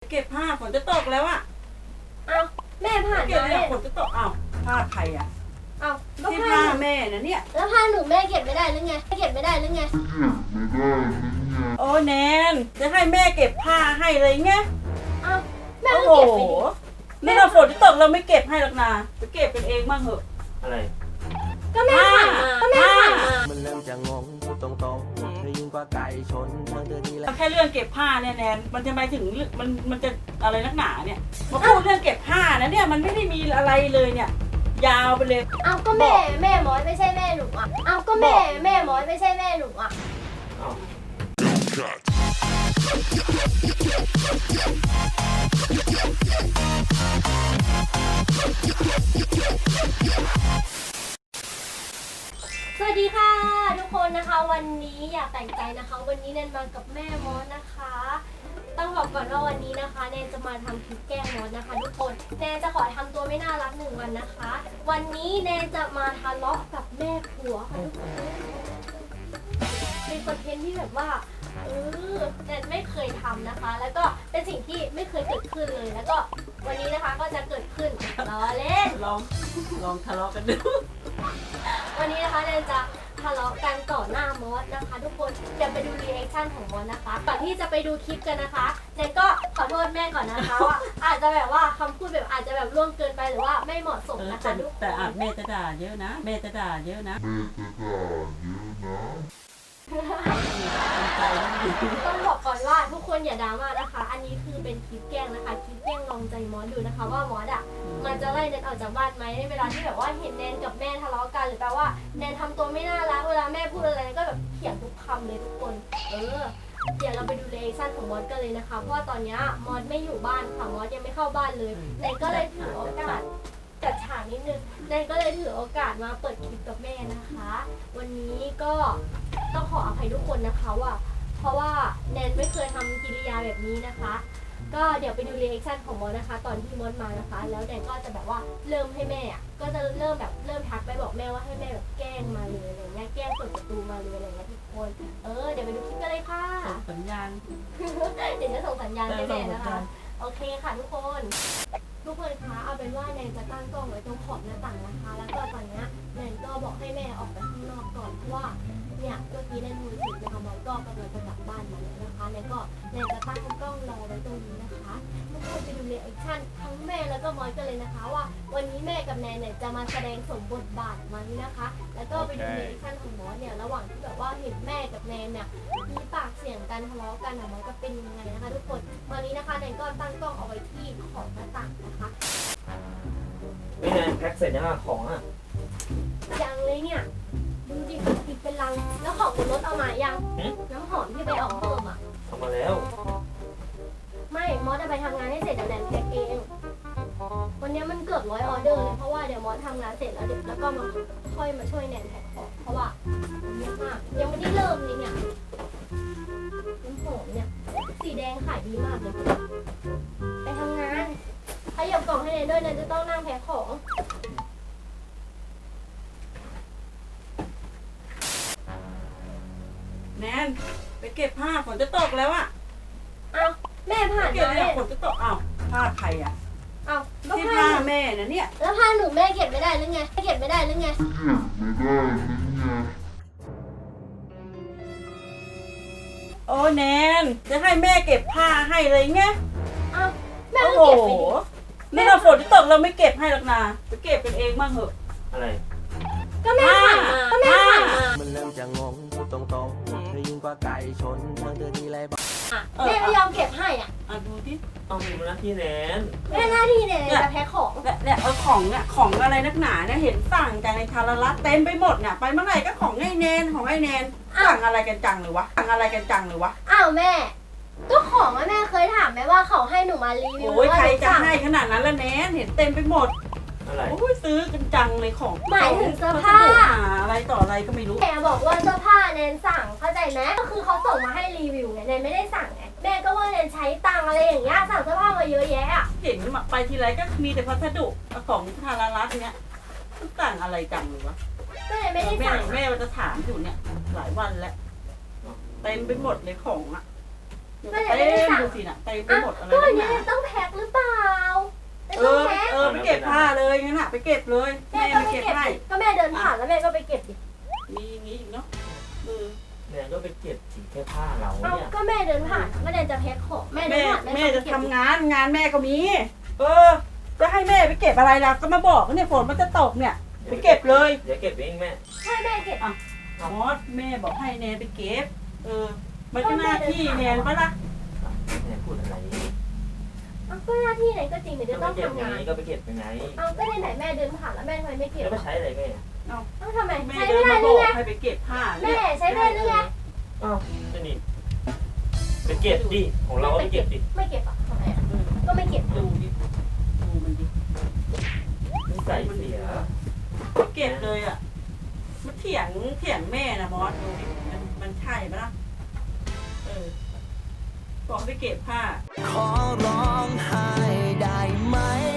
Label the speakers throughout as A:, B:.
A: เก็บผ้าฝนจะตกแล้วอะ
B: เอาแม่ผ่าน
A: เก็บ
B: มา
A: เนี่ย
B: เนี่ย
A: ฝนจะตกอ้าวผ้าใครอะ
B: เอาก็
A: ที่
B: ผ้า
A: ผ้าแม่นะเนี่ย
B: แล้วผ้าหนูแม่เก็บไม่ได้หรือไงเก็บไม่ได้หรือไง
A: โอ้แนนจะให้แม่เก็บผ้าให้เลยไง
B: เอาแม่
A: โอ้
B: ก็
A: โห
B: เก็บไปดิ
A: นี่เราฝนจะตกเราไม่เก็บให้หรอกนะไปเก็บเป็นเองบ้างเหอะ
C: อะไร
B: ก็แม่ผ่านมาก็แม่ผ่านมา
D: มันเริ่มจะงงพูดตรงๆเธอยิ่งกว่าไก่ชนเธอดีแล้ว
A: แค่เรื่องเก็บผ้าเนี่ยแนนมันจะไปถึงมันจะอะไรนักหนาเนี่ยมาพูดเรื่องเก็บผ้านะเนี่ยมันไม่ได้มีอะไรเลยเนี่ย ยาวไปเลย
B: เอาก็แม่หมอยไม่ใช่แม่หนูอ่ะเอาก็แม่หมอยไม่ใช่แม่หนูอ่ะ
C: เอา
B: สวัสดีค่ะทุกคนนะคะวันนี้อย่าแปลกใจนะคะวันนี้แนนมากับแม่มอสนะคะต้องบอกก่อนว่าวันนี้นะคะแนนจะมาทำคลิปแกล้งมอสนะคะทุกคนแนนจะขอทำตัวไม่น่ารัก1 วันนะคะ วันนี้แนนจะมาทะเลาะกับแม่ผัวค่ะทุกคนเป็นคอนเทนต์ที่แบบว่าแนนไม่เคยทำนะคะ แล้วก็เป็นสิ่งที่ไม่เคยเกิดขึ้นเลยแล้วก็วันนี้นะคะก็จะเกิดขึ้นล้อเล่น
A: ลองทะเลาะกันดู
B: วันนี้นะคะแนนจะทะเลาะกันต่อหน้ามอสนะคะ ทุกคนจะไปดูรีแอคชั่นของมอสนะคะก่อนที่จะไปดูคลิปกันนะคะแนนก็ขอโทษแม่ก่อนนะคะว่าอาจจะแบบว่าคำพูดแบบอาจจะแบบล่วงเกินไปหรือว่าไม่เหมาะสมนะคะทุกคน
A: แต่อาจแม่จะด่าเยอะนะแม่จะด่าเยอะนะใจไม่ดี
B: ต้องบอกก่อนว่าทุกคนอย่าดราม่านะคะ อันนี้คือเป็นคลิปแกล้งนะคะคลิปแกล้งลองใจมอสดูนะคะว่ามอสอ่ะมันจะไล่แนนออกจากบ้านไหมในเวลาที่แบบว่าเห็นแนนกับแม่ทะเลาะกันหรือแปลว่าแนนทำตัวไม่น่ารักเวลาแม่พูดอะไรก็แบบเถียงทุกคำเลยทุกคนเดี๋ยวเราไปดูรีแอคชั่นของมอสกันเลยนะคะเพราะว่าตอนนี้มอสไม่อยู่บ้านค่ะมอสยังไม่เข้าบ้านเลยแนนก็เลยถือโอกาสจัดฉากนิดนึงแนนก็เลยถือโอกาสมาเปิดคลิปกับแม่นะคะ วันนี้ก็ต้องขออภัยทุกคนนะคะว่าเพราะว่าแนนไม่เคยทำกิริยาแบบนี้นะคะ ก็เดี๋ยวไปดูรีแอคชั่นของมอสนะคะ ตอนที่มอสมานะคะ แล้วแนนก็จะแบบว่าเริ่มให้แม่อะก็จะเริ่มทักไปบอกแม่ว่าให้แม่แบบแกล้งมาเลยอะไรเงี้ยแกล้งเปิดประตูมาเลยอะไรเงี้ยทุกคนเดี๋ยวไปดูคลิปกันเลยค่ะ
A: ส่งสัญญาณ
B: เดี๋ยวจะส่งสัญญาณให้แม่นะคะ
A: ญาณ
B: โอเคค่ะทุกคน ทุกคนคะเอาเป็นว่าแนนจะตั้งกล้องไว้ตรงขอบหน้าต่างนะคะ แล้วก็ตอนเนี้ยแนนก็บอกให้แม่ออกไปข้างนอกก่อนเพราะว่าเนี่ยเมื่อกี้แนนมือถือนะคะมอสก็กำลังจะกลับบ้านมาแล้วนะคะแนนจะตั้งกล้องรอไว้ตรงนี้นะคะทุกคนไปดูรีแอคชั่นทั้งแม่แล้วก็มอสกันเลยนะคะว่าวันนี้แม่กับแนนเนี่ยจะมาแสดงสมบทบาทไหมนะคะ แล้วก็ไปดูรีแอคชั่นของมอสเนี่ยระหว่างที่แบบว่าเห็นแม่กับแนนเนี่ยมีปากเสียงกันทะเลาะกันมอสก็เป็นยังไงนะคะ ทุกคนวันนี้นะคะแนนก็ตั้งกล้องเอาไว้ที่ขอบหน้าต่างนะคะ
C: ไม่นานแพ็คเสร็จยังอ่ะของอ่ะ
B: ยังเลยเนี่ยดูดิติดเป็นลังแล้วของบนรถเอามายังน้ำหอมที่ไปออกเพิ่มอ่ะ
C: ทำมาแล้ว
B: ไม่มอสจะไปทำงานให้เสร็จเดี๋ยวแนนแพ็คเองวันนี้มันเกือบ100 ออเดอร์เลยเพราะว่าเดี๋ยวมอสทำงานเสร็จแล้วแล้วก็มาค่อยมาช่วยแนนแพ็คของเพราะว่ามันเยอะมากยังไม่ได้เริ่มเลยเนี่ยน้ำหอมเนี่ยสีแดงขายดีมากเลยไปทำงานขยับกล่องให้แนนด้วยแนนจะต้องนั่งแพ็คของ
A: แนนไปเก็บผ้าฝนจะตกแล้วอะ
B: เอาแม่ผ่าน
A: เก็บ
B: มา
A: เนี่
B: เนี่ย ย
A: ฝนจะตกอ้าวผ้าใครอะ
B: เอาก็
A: ที่
B: ผ้า
A: ผ้าแม่นะเนี่ย
B: แล้วผ้าหนูแม่เก็บไม่ได้หรือไงเก็บไม่ได้หรือไง
A: โอ้แนนจะให้แม่เก็บผ้าให้เลยไง
B: เอาแม่
A: โอ้
B: ก็
A: โห
B: เก็บไปดิ
A: นี่เราฝนจะตกเราไม่เก็บให้หรอกนะไปเก็บเป็นเองบ้างเหอะ
C: อะไร
B: ก็แม่ผ่านมาก็แม่ผ่านมา
D: มันเริ่มจะงงพูดตรงๆเธอยิ่งกว่าไก่ชนเธอดีแล้ว
B: แม่ไม่ยอมเก็บให้อ่ะ
A: ดูที่
C: ต้องมีหน้าที่แนน
B: แม่หน้าที่เนี่ยจะแพ็คของ
A: เนี่ยของอะไรนักหนาเนี่ยเห็นสั่งจากในทาราลัตเต็มไปหมดเนี่ยไปเมื่อไหร่ก็ของไอ้แนนสั่งอะไรกันจังเลยวะ
B: อ้าวแม่ก็ของอะแม่เคยถามไหมว่าเขาให้หนูมารีวิว
A: โอ้ย
B: ว่า
A: ใคร
B: หนู
A: จะ
B: สั่ง
A: ให้ขนาดนั้นละแนนเห็นเต็มไปหมด
C: อะไร
A: โอ้ยซื้อกันจังเลยของ
B: หมายถึงเสื้อผ้า
A: หาอะไรต่ออะไรก็ไม่รู้
B: แม่บอกว่าเสื้อผ้าแนนสั่งเข้าใจไหมก็คือเขาส่งมาให้รีวิวไงแนนไม่ได้สั่งไงแม่ก็ว่าแนนใช้ตังค์อะไรอย่างเงี้ยสั่งเสื้อผ้ามาเยอะแยะอะ
A: เห็นมาไปทีไรก็มีแต่พัสดุของทาราลัตเนี่ยสั่งอะไรจังเลยวะ
B: ก็เลยไม่ได้
A: แม่
B: สั่ง
A: แม่จะถามอยู่เนี่ยหลายวันแล้วเต็มไปหมดเลยของอะ
B: แม่
A: เต็
B: ไม่ได้
A: ม
B: สั่ง
A: ดูสิน่ะเต็มไป
B: อ่ะ
A: หมดอะไร
B: ก็
A: นั
B: อั
A: ก
B: น
A: ห
B: นี้
A: นา
B: ต้องแพ็คหรือเปล่าไม่
A: เอ
B: ต้อง
A: อ
B: แพ็ค
A: ไปเก็บผ้าเลยงั้นน่ะไปเก็บเลยแม่
B: ก็
A: ไป
B: ไม่
A: เก็บ
B: เก็บ
A: ให้
B: ดิก็แม่เดินผ่านแล้วแม่ก็ไปเก็บดิ
A: มีอย่างงี้อีกเนาะเออ
C: แนนก็ไปเก็บสีแค่ผ้าเรา
B: เอ้า
C: เนี่ย
B: ก็แม่เดินผ่านแม่เดินจะแพ็คของแม่เดิน
A: แม่
B: ผ่าน
A: แม่
B: ก็
A: จะ
B: ไปเก็บ
A: ทำงานแม่ก็มีเออจะให้แม่ไปเก็บอะไรล่ะก็มาบอกว่าเนี่ยฝนมันจะตกเนี่ยไปเก็บเลย
C: เดี๋ยวเก็บเองแม่
B: ให้แม่เก็บ
A: อ๋อแม่บอกให้แนนไปเก็บเออมันก็หน้าที่แนนปะล่ะ
C: แนนพูดอะไร
B: เอาก็หน้าที่ไหนก็จริงเดี๋ยว
C: ก็
B: จะ
C: ไป
B: ต้อง
C: เก็บ
B: ทำ
C: ไง
B: งาน
C: ก็ไปเก็บยังไง
B: เอาก็ไหนๆแม่เดินผ่านแล้วแม่ทำไมไม่เก็บ
C: แล้วไป
B: อ่ะ
C: ใช้อะไรแม่
B: เอ้าทำไม
A: แม่
B: ใช้
A: เดิ
B: ไม่
A: น
B: ได้
A: มาบ
B: หรือ
A: อก
B: ไง
A: ให้ไปเก็บผ้า
B: แม่ใช้ไม่ได้หรือไง
C: อ้าวนี่นี่ไปเก็บดิของเราก็ไปเก็บดิ
B: ไม่เก็บอ่ะทำไมอ่ะก็ไม่เก็บ
A: ดูดิดูมันดิ
C: นิสัยเสีย
A: เก็บเลยอ่ะมันเถียงแม่นะมอสดูดิมันใช่ปะล่ะเออบอกให้ไปเก็บผ้า
D: ขอร้องไห้ได้ไหม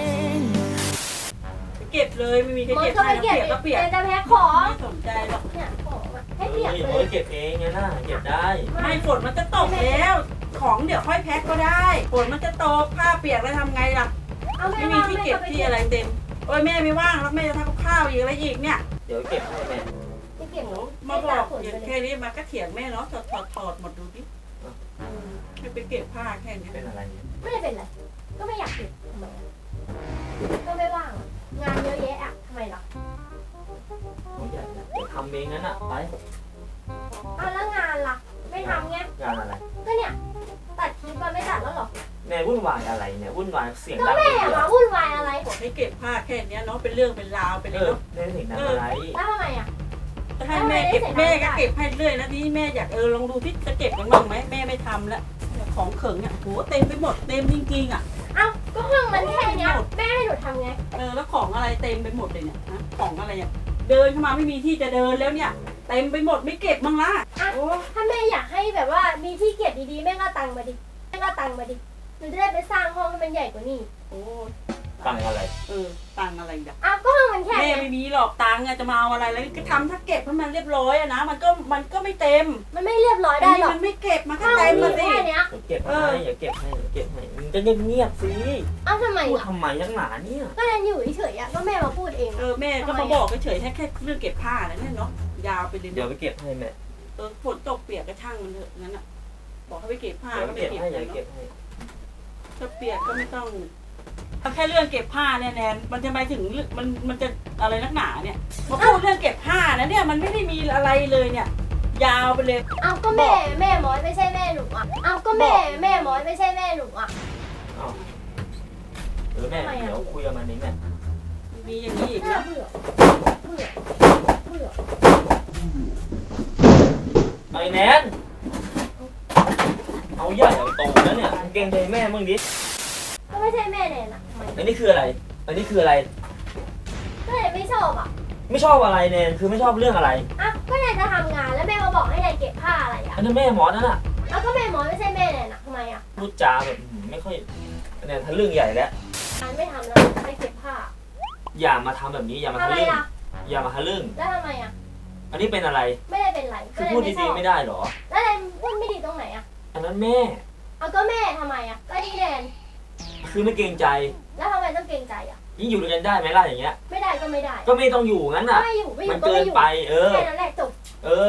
A: ไปเก็บเลยไม่มีใคร
B: มัน
A: เก็บ
B: ก็
A: ให้
B: ไม่
A: เปี
B: เก็บ
A: ยกก็เปียก
B: จะแพ็คของ
A: ไม่สนใจหรอก
B: เนี่ยของอ่ะให้
C: เฮ้
B: เปียก
C: ย
B: เล
C: เขา
B: ย
C: เก็บเองไงน่ะเก็บได้
A: ไม่ฝนมันจะตกแล้ว ของเดี๋ยวค่อยแพ็คก็ได้ฝนมันจะตกผ้าเปียกแล้วทำไงล่ะ
B: เอาแม่
A: ไม่มี
B: ว่า
A: ที่
B: แม่
A: เก็บ
B: ก็ไป
A: ที่
B: เก็บ
A: อะไรเต็มโอ้ยแม่ไม่ว่างแล้วแม่จะทำกับข้าวอีกอะไรอีกเนี่ย
C: เดี๋ยวเก็บให้แม่
B: ไม่เก็บหนู
A: มาบอก
B: ฝน
A: อย่าง
B: ไปเล
A: แค่
B: ย
A: นี้มาก็เถียงแม่เนาะถอดหมดดูดิให้ไปเก็บผ้าแค่นี้
C: เป็นอะไรเนี่ย
B: ไม่ได้เป็นไรก็ไม่อยากเก็บทำไมอ่ะก็ไม่ว่างอ่ะงานเยอะแยะอ่ะทำไมล่ะ
C: เขาอยากจะเดี๋ยวทำเองงั้นน่ะไป
B: เอาแล้วงานล่ะไม่ทำไง
C: งานอะไร
B: ก็เนี่ยตัดคลิปมาไม่ตัดแล้วหรอ
C: แม่วุ่นวายอะไรเนี่ยวุ่นวายเสียง
B: ก็
C: ดัง
B: แม่
C: คนเดียว
B: มาวุ่นวายอะไร
A: บอกให้เก็บผ้าแค่นี้เนาะเป็นเรื่องเป็นราวไปเล
C: เอย อ
A: เนาะ
C: แม่เสียงดังอะไร
B: แล้วทำไมอ่ะ
A: จะให้แม่เก็บแม่ก็เก็บให้เรื่อยนะที่แม่อยากลองดูที่จะเก็บกันบ้างไหมแม่ไม่ทำแล้วของเขิงเนี่ยโหเต็มไปหมดเต็มจริงๆอ่ะ
B: เอ้าก็ห้องมันแค่เนี้ยแม่ให้หนูทำไง
A: แล้วของอะไรเต็มไปหมดเลยเนี่ยนะของอะไรอ่ะเดินเข้ามาไม่มีที่จะเดินแล้วเนี่ยเต็มไปหมดไม่เก็บมั้งล่ะ
B: อ่ะ
A: โอ้
B: ถ้าแม่อยากให้แบบว่ามีที่เก็บดีๆแม่ก็ตังค์มาดิแม่ก็ตังค์มาดิหนูจะได้ไปสร้างห้องให้มันใหญ่กว่านี้
A: โห
C: ตังอะไร
A: ตังอะไรอ่ะ
B: อ้าวก็ห้องมันแค่
A: แม่
B: เนี้ย
A: ไม่มีหรอกตังอะจะมาเอาอะไรแล้วก็ทำถ้าเก็บให้มันเรียบร้อยอะนะมันก็ไม่เต็ม
B: มันไม่เรียบร้อย
A: อัน
B: ได้
A: นี้
B: หรอก
A: มันไม่เก็บมันก็
B: ห้อง
A: เต็ม
B: มั
A: มาน สิ
B: แค่เนี้ย
C: เดี๋ยวเก็บให้อย่าเก็บให้อย่าเก็บให้มึงจะเงียบๆสิ
B: เอ้าทำไม
C: พูด
B: อ่ะ
C: ทำไมนักหนาเนี่ย
B: ก็แนนอยู่เฉยๆอ่ะก็แม่มาพูดเอง
A: แม่ก็มาบอกเฉยๆแค่เรื่องเก็บผ้านะเนี่ยเนาะยาวไปเลย
C: เดี๋ยวไปเก็บให้แม่
A: ฝนตกเปียกก็ช่างมันเถอะงั้นอะบอกให้ไปเก็บผ้า
C: เดี๋ยว
A: ก็
C: ไป
A: ไป
C: เก็บ
A: เก็บ
C: ให้
A: เล
C: เดี๋ยวย เก็บให้
A: ถ้าเปียกก็ไม่ต้องแค่เรื่องเก็บผ้าเนี่ยแนนมันจะไปถึงมันจะอะไรนักหนาเนี่ยมาพูดเรื่องเก็บผ้านะเนี่ยมันไม่ได้มีอะไรเลยเนี่ย ยาวไปเลย
B: เอ้าก็แม่มอสไม่ใช่แม่หนูอ่ะเอ้าก็แม่มอสไม่ใช่แม่หนูอ่ะ
C: อ้าวเออแม่เดี๋ยวคุยกับมันเองแม่
A: มีอย่างนี้อีก
B: น่า
A: นะ
B: เบื่อเบื่อเบื่อ
C: ไอ้แนนเอาใหญ่เอาโตแล้วเนี่ยเกรงใจแม่มึงดิ
B: ก็ไม่ใช่แม่แนนอ่ะทำไม
C: อันนี้คืออะไร อันนี้คืออะไร
B: ก็แนนไม่ชอบอ่ะ
C: ไม่ชอบอะไรแนนคือไม่ชอบเรื่องอะไร
B: อ่ะก็แนนจะทำงานแล้วแม่มาบอกให้แนนเก็บผ้าอะไรอ่ะ
C: อันนั้นแม่หมอนั่นน่ะ
B: เอ้าก็แม่มอสไม่ใช่แม่แนนอ่ะทำไมอ่ะ
C: พูดจาแบบไม่ค่อยแนนทะลึ่งใหญ่แล้ว
B: งานไม่ทำแล้วไปเก็บผ้า
C: อย่ามาทำแบบนี้อย่ามา
B: ทำ
C: ทะ
B: ไม
C: ลึ่ง
B: ล่ะ
C: อย่ามาทะลึ่ง
B: แล้วทำไมอ่ะ
C: อันนี้เป็นอะไร
B: ไม่ได้เป็นไร
C: คือพูดดีๆไม่ได้เหรอ
B: แล้วแนนพูดไม่ดีตรงไหนอ่ะ
C: อันนั้นแม่
B: เอาก็แม่ทำไมอ่ะก็นี่แนน
C: คือไม่เกรงใจ
B: แล้วทำไมต้องเกรงใจอ่ะ
C: ยิ่งอยู่ด้วยกันได้ไหมล่ะอย่างเงี้ย
B: ไม่ได้ก็ไม่ได้
C: ก็ไม่ต้องอยู่งั้นน่ะ
B: ไม่อยู่ไม่อ
C: มั
B: ยู่
C: น
B: ก็
C: เกิ
B: ไม่
C: น
B: อยู่
C: ไป เออ
B: แค่นั้นแหละจบ
C: เออ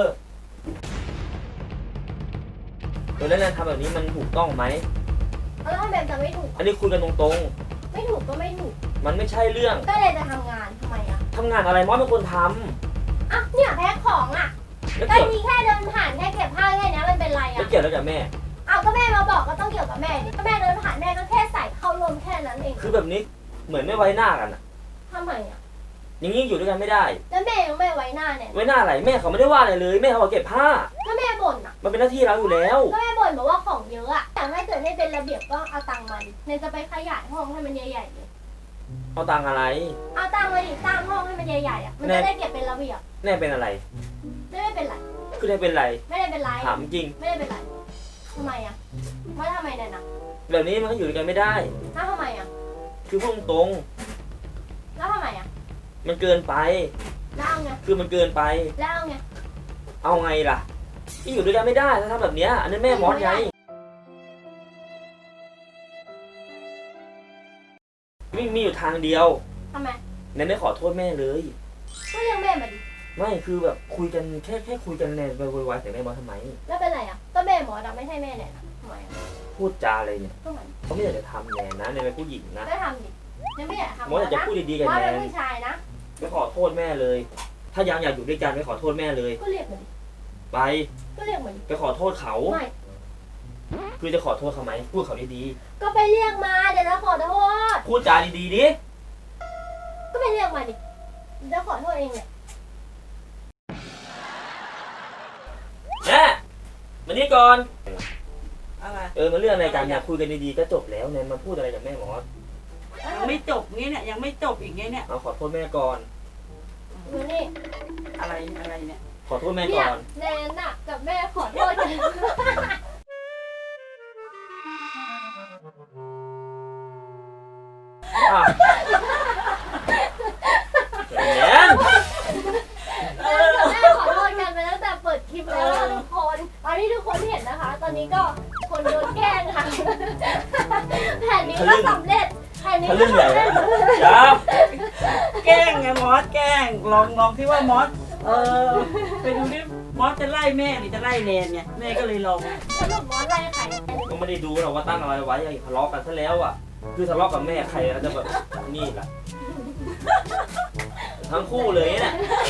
C: แล้วแนนทำแบบนี้มันถูกต้องไหม
B: แล้วทำแบบจะไม่ถูก
C: อันนี้คุยกันตรง
B: ไม่ถูกก็ไม่ถูก
C: ๆ มันไม่ใช่เรื่อง
B: ก็เลยจะทำงานทำไมอ่ะ
C: ทำงานอะไรมอสเป็นคนท
B: อ่ะเนี่ยแพ็คของอ่ะ
C: ำแล้ว
B: ก็
C: เกี่ยว
B: มีแค่เดินผ่านแค่เก็บผ้าแค่นี้มันเป็นไร
C: แล้ว
B: อ่ะ
C: เกี่ยวแล้วกับแม่
B: เอาก็แม่มาบอกก็ต้องเกี่ยวกับแม่ดิก็แม่เดินผ่านแม่ก็แค่ใส่เข้าร่มแค่นั้นเอง
C: คือแบบนี้เหมือนไม่ไว้หน้ากันอะ
B: ทำไมอ่ะ
C: อย่างนี้อยู่ด้วยกันไม่ได้
B: แล้วแม่ยังไม่ไว้หน้าเนี่ย
C: ไว้หน้าอะไรแม่เขาไม่ได้ว่าอะไรเลย แม่เขาบอกเก็บผ้า
B: ก็แม่บ่นอ่ะ
C: มันเป็นหน้าที่เราอยู่แล้ว
B: ก็แม่บ่นบอกว่าของเยอะอ่ะแต่ถ้าเกิดให้เป็นระเบียบก็เอาตังค์มาดิเนี่ยจะไปขยายห้องให้มันใหญ่ๆเลย
C: เอาตังค์อะไร
B: เอาตังค์มาดิสร้างห้องให้มันใหญ่ๆอ่ะมันจะได้เก็บเป็นระเบียบ
C: แน่เป็นอะไร
B: ไม่ได้เป็นไร
C: คือได้เป็นอะไร
B: ไม่ได้เป็นไร
C: ถามจริง
B: ไม่ได้เป็นไรทำไมอ่ะว่าทำไมเนี่ยนะ
C: แบบนี้มันก็อยู่ด้วยกันไม่ได้
B: ถ้าทำไมอ่ะ
C: คือพูดตรง
B: แล้วทำไมอ่ะ
C: ๆมันเกินไป
B: แล้วเอาไง
C: คือมันเกินไป
B: แล้วเอาไง
C: เอาไงล่ะที่อยู่ด้วยกันไม่ได้ถ้าทำแบบเนี้ยอันนั้นแม่มอสไงมีอยู่ทางเดียว
B: ทำไม
C: แนนไม่ขอโทษแม่เลย
B: ก็เรียกแม่มาดิ
C: ไม่คือแบบคุยกันแค่คุยกันแนนไปโวยวายใส่แม่บอสทำไม
B: แล้วเป็นไรอ่ะก็แม่หมอดำไม่ใช่แม่แนนอะทำไมอะ
C: พูดจาอะไรเนี่ย
B: ก็เหมือน
C: เขาไม่อยากจะทำแนนนะแนนเป็นผู้หญิงนะ
B: ก็ทำดิยังไม่อยากทำ
C: มอสอยากจะพูดดีๆกับ
B: มอส
C: แน
B: เป็น
C: น
B: ผู้ชายนะ
C: ไปขอโทษแม่เลย ถ้ายังอยากอยู่ด้วยกันไปขอโทษแม่เลย
B: ก็เรียกมาดิ
C: ไป
B: ก็เรียกมาดิ
C: ไปขอโทษเขา
B: ไม่
C: คือจะขอโทษเขาไหมพูดเขาดี
B: ก็ไปเรียกมาเดี๋ยวจะขอโทษ
C: ๆพูดจาดีๆดิ
B: ก็ไปเรียกมาดิเดี๋ยวขอโทษเองเนี่ย
C: แม่มานี่ก่อน
A: อะไร
C: มาเรื่องอะไรกันเนี่ยคุยกันดีๆก็จบแล้วแนนมาพูดอะไรกับแม่มอส
A: ยังไม่จบงี้เนี่ยยังไม่จบอีกงี้เนี่ย
C: เอาขอโทษแม่ก่อน
B: ดูนี่
A: อะไรเนี่ย
C: ขอโทษแม่
B: เนี่
C: ก่
B: ย
C: อน
B: แนนน่ะกับแม่ขอโทษกัน
C: อ่ะแนน
B: แม่ขอโทษกันไปตั้งแต่เปิดคลิปแล้วค่ะทุกคนตอนนี้ทุกคนเห็นนะคะ ตอนนี้ก็คนโดนแกล้งค่ะแผ่นนี้ก็สำเร็จแผ่นนี้
C: ทะ
B: ก็
C: ลึ่งใหญ่
B: สำเร็
C: นะ
B: จ
C: จ้า
A: แกล้งไงมอสแกล้งลองที่ว่ามอสไปดูดิมอสจะไล่แม่หรือจะไล่แนนไงแม่ก็เลยลอง
B: สรุปมอสไล่ใคร
C: ก็ไม่ได้ดูหรอกว่าตั้งอะไรไว้อย่าทะเลาะกันซะแล้วอ่ะ คือทะเลาะกับแม่ใครแล้วจะแบบนี่แหละทั้งคู่เลยเนี่ย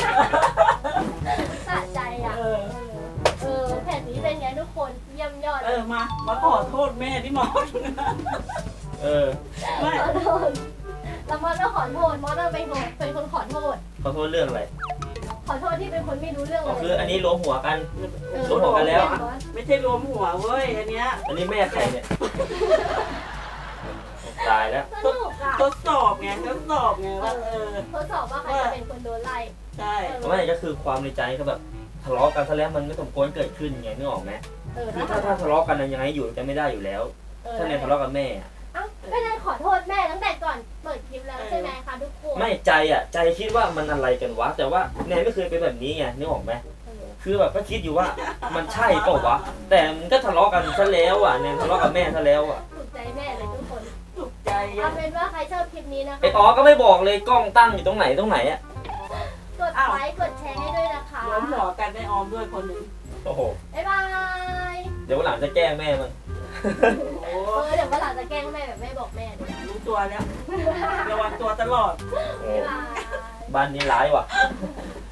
B: สะใจอ่ะแผ่นนี้เป็นไงทุกคนเยี่ยมยอด
A: มาขอโทษแม่ที่มอส ไม่
B: ขอโทษแล้วมอสก็ขอโทษมอสเป็นคนขอโทษ
C: ขอโทษเรื่องอะไร
B: ขอโทษที่เป็นคนไม่รู้เรื่องเล
C: ก็
B: ย
C: คืออันนี้รวมหัวกัน
B: เออ
C: รู้กันแล้ว
A: ไม่ใช่รวมหัวเว้ยอันเนี้ย
C: อันนี้แม่ใครเนี่ยตายแล้ว
B: สนุกอ่ะ
A: ทดสอบไงว่า
B: ทดสอบว่าใครจะเป็นคนโดนไล่
A: ใช่
C: ไม่ก็คือความในใจก็แบบทะเลาะกันซะแล้วมันไม่สมควรเกิดขึ้นไงนึกออกไหมคือถ้าทะเลาะกันยังไงอยู่กันไม่ได้อยู่แล้ว ถ้าในทะเลาะกับแม่อะ
B: เอ้าก็เลยขอโทษแม่ตั้งแต่ก่อนเปิดคลิปแล้วใช่ไหมคะทุกคน
C: ไม่ใจคิดว่ามันอะไรกันวะแต่ว่าแนนไม่เคยเป็นแบบนี้ไงนึกออกไหม
B: เออ
C: คือแบบก็คิดอยู่ว่ามันใช่เปล่าวะแต่มันก็ทะเลาะกันซะแล้วอ่ะแนนทะเลาะกับแม่ซะแล้วอ่ะ
B: ถูกใจแม่เลยทุกคน
A: ถูกใจ
B: เอาเป็นว่าใครชอบคลิปนี้นะคะ
C: ไอ้อ๋อก็ไม่บอกเลยกล้องตั้งอยู่ตรงไหนอ่ะ
B: กดไลค์กดแชร์ให้ด้วยนะคะ
A: รวมหัวกันได้ออมด้วยคนหนึ่ง
C: โอ้โห
B: บ๊ายบาย
C: เดี๋ยววันหลังจะแกล้งแม่มัน
A: โอ้
B: เดี๋ยววันหลังจะแกล้งแม่แบบไม่บอกแม่ด้วย
A: รู้ตัวแล้วระวังตัวตลอด
C: โอ้
B: บ๊ายบาย
C: บ้านนี้ร้ายว่ะ
B: บ